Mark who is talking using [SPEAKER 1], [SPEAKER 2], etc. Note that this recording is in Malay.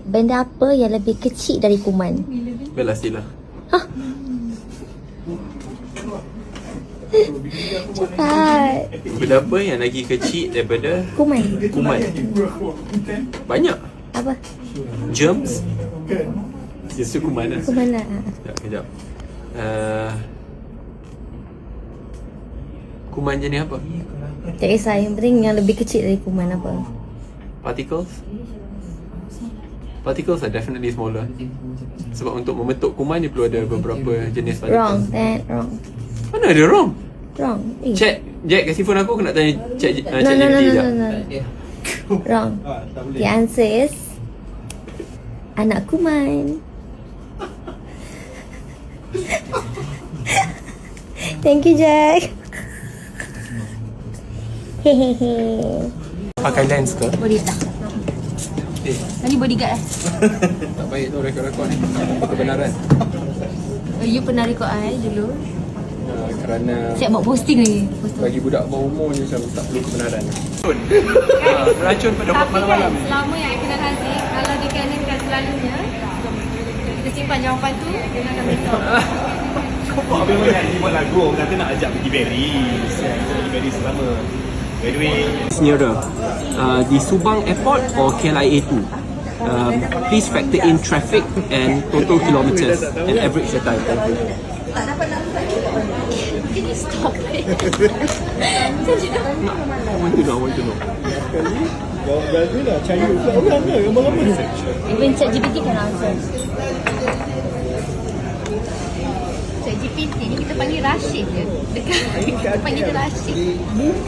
[SPEAKER 1] Benda apa yang lebih kecil dari kuman?
[SPEAKER 2] Bella sila.
[SPEAKER 1] Cepat.
[SPEAKER 2] Benda apa yang lagi kecil daripada
[SPEAKER 1] Kuman.
[SPEAKER 2] kuman? Banyak.
[SPEAKER 1] Apa?
[SPEAKER 2] Germs. Itu kuman lah.
[SPEAKER 1] Kuman lah.
[SPEAKER 2] Kejap. Kuman jenis apa?
[SPEAKER 1] Tak kisah, yang penting yang lebih kecil dari kuman apa?
[SPEAKER 2] Particles? Particles are definitely smaller. Sebab untuk membentuk kuman dia perlu ada beberapa jenis
[SPEAKER 1] Wrong,
[SPEAKER 2] particles.
[SPEAKER 1] wrong.
[SPEAKER 2] Mana ada wrong?
[SPEAKER 1] Wrong.
[SPEAKER 2] Check. Jack kasih phone aku nak tanya check
[SPEAKER 1] No,
[SPEAKER 2] check
[SPEAKER 1] no, no,
[SPEAKER 2] GPT
[SPEAKER 1] no,
[SPEAKER 2] jap.
[SPEAKER 1] no, no. Wrong. The answer is anak kuman. Thank you, Jack. Hehehe.
[SPEAKER 2] Pakai lens ke?
[SPEAKER 1] Boleh tak? Ni bodyguard lah.
[SPEAKER 2] Tak baik tu rekod-rekod ni. Kebenaran.
[SPEAKER 1] Oh, you pernah rekod I dulu?
[SPEAKER 2] Kerana
[SPEAKER 1] Siap buat posting lagi.
[SPEAKER 2] bagi budak bawah umur ni macam tak perlu kebenaran. Racun pada
[SPEAKER 3] Tapi
[SPEAKER 2] malam-malam.
[SPEAKER 3] kan, selama yang I kenal Haziq, kalau dikenakan selalunya, kita simpan jawapan tu, dia akan beritahu.
[SPEAKER 4] Kau buat apa banyak ni buat lagu, orang kata nak ajak pergi Berries. Kita pergi Berries selama. By the way,
[SPEAKER 2] Nearer, di Subang Airport or KLIA 2. Please factor in traffic and total kilometers and average the time. Thank you.
[SPEAKER 1] Can you stop it?
[SPEAKER 2] I want to know.
[SPEAKER 4] jawab Brazil lah, China ke orang ke, gambar apa?
[SPEAKER 1] Even ChatGPT can answer. ChatGPT ni kita panggil Rashid je. Dekat kita panggil dia Rashid.